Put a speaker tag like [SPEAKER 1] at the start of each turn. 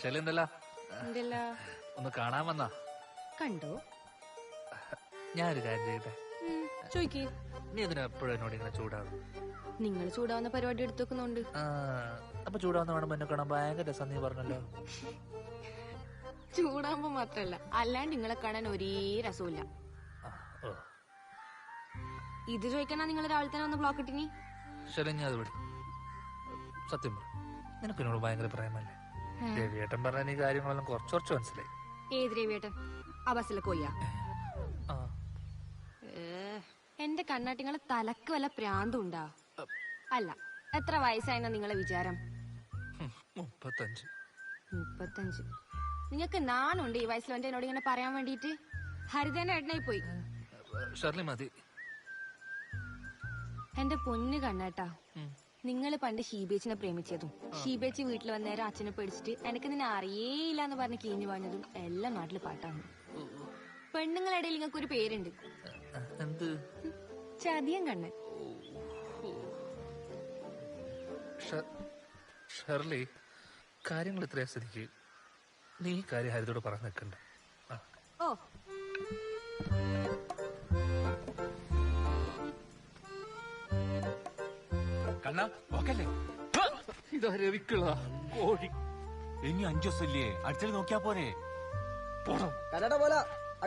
[SPEAKER 1] ശല്യന്തല്ല
[SPEAKER 2] എന്തല്ല
[SPEAKER 1] ഒന്ന് കാണാൻ വന്നാ.
[SPEAKER 2] കണ്ടോ?
[SPEAKER 1] ഞാനൊരു കാര്യം ചെയ്യട്ടെ?
[SPEAKER 2] ചോയ്ക്ക്.
[SPEAKER 1] നീ എന്തിനാ എപ്പോഴും എന്നോട് ഇങ്ങനെ ചൂടാവും?
[SPEAKER 2] നിങ്ങൾ ചൂടാവുന്ന പരിപാടി എടുത്തു വെക്കുന്നുണ്ട്.
[SPEAKER 1] അപ്പൊ ചൂടാവുന്ന വേണം എന്നെ കാണാൻ ഭയങ്കര രസം നീ പറഞ്ഞല്ലോ.
[SPEAKER 2] ചൂടാവുമ്പോ മാത്രല്ല, അല്ലാണ്ട് നിങ്ങളെ കാണാൻ ഒരേ രസമില്ല. ഇത് ചോദിക്കണ നിങ്ങൾ രാവിലെ തന്നെ ഒന്ന് ബ്ലോക്ക് ഇട്ടിനി.
[SPEAKER 1] ശരി, ഞാൻ അത് വിടും. സത്യം പറ, നിനക്ക് എന്നോട് ഭയങ്കര പ്രേമല്ലേ? രവിയേട്ടൻ പറഞ്ഞ നീ കാര്യങ്ങളെല്ലാം കുറച്ച് മനസ്സിലായി.
[SPEAKER 2] ഏത് രവിയേട്ടൻ? ആ ബസ്സിലെ കൊയ്യാ? എന്റെ കണ്ണാട്ടിങ്ങളെ തലക്ക് വല്ല പ്രാന്തുണ്ടാ? അല്ല, എത്ര വയസ്സായെന്നാ നിങ്ങളെ വിചാരം?
[SPEAKER 1] 35.
[SPEAKER 2] 35? നിങ്ങക്ക് നാണുണ്ട് ഈ വയസ്സിൽ എന്റെ എന്നോട് ഇങ്ങനെ പറയാൻ വേണ്ടിട്ട്? ഹരിതേന എണ്ണായി പോയി.
[SPEAKER 1] ഷർലി മതി.
[SPEAKER 2] എന്റെ പൊന്ന് കണ്ണാട്ടാ, നിങ്ങൾ പണ്ട് ഷീബേച്ചിനെ പ്രേമിച്ചതും ഷീബേച്ചി വീട്ടിൽ വന്നേരം അച്ഛനെ പേടിച്ചിട്ട് എനിക്ക് നിന്നെ അറിയേയില്ല എന്ന് പറഞ്ഞ് കീഞ്ഞു പറഞ്ഞതും എല്ലാം നാട്ടില് പാട്ടാണ്. പെണ്ണുങ്ങളിടയിൽ നിങ്ങൾക്ക് ഒരു പേരുണ്ട്, ചതിയൻ കണ്ണൻ.
[SPEAKER 1] ഷർലി, കാര്യങ്ങൾ ഇത്രയും സ്ഥിതിക്ക് നീ കാര്യം ഹരിതോട് പറഞ്ഞു നിൽക്കണ്ട.
[SPEAKER 2] ഓ,
[SPEAKER 3] കണ്ണാ ഓക്കല്ലേ?
[SPEAKER 1] ഇതാ രവിക്കുള്ള കോഴി.
[SPEAKER 3] ഇനി 5 ദിവസമില്ലേ, അടിച്ചടി നോക്കിയാ പോരെ?
[SPEAKER 1] പോണം.
[SPEAKER 4] കന്നഡ പോലെ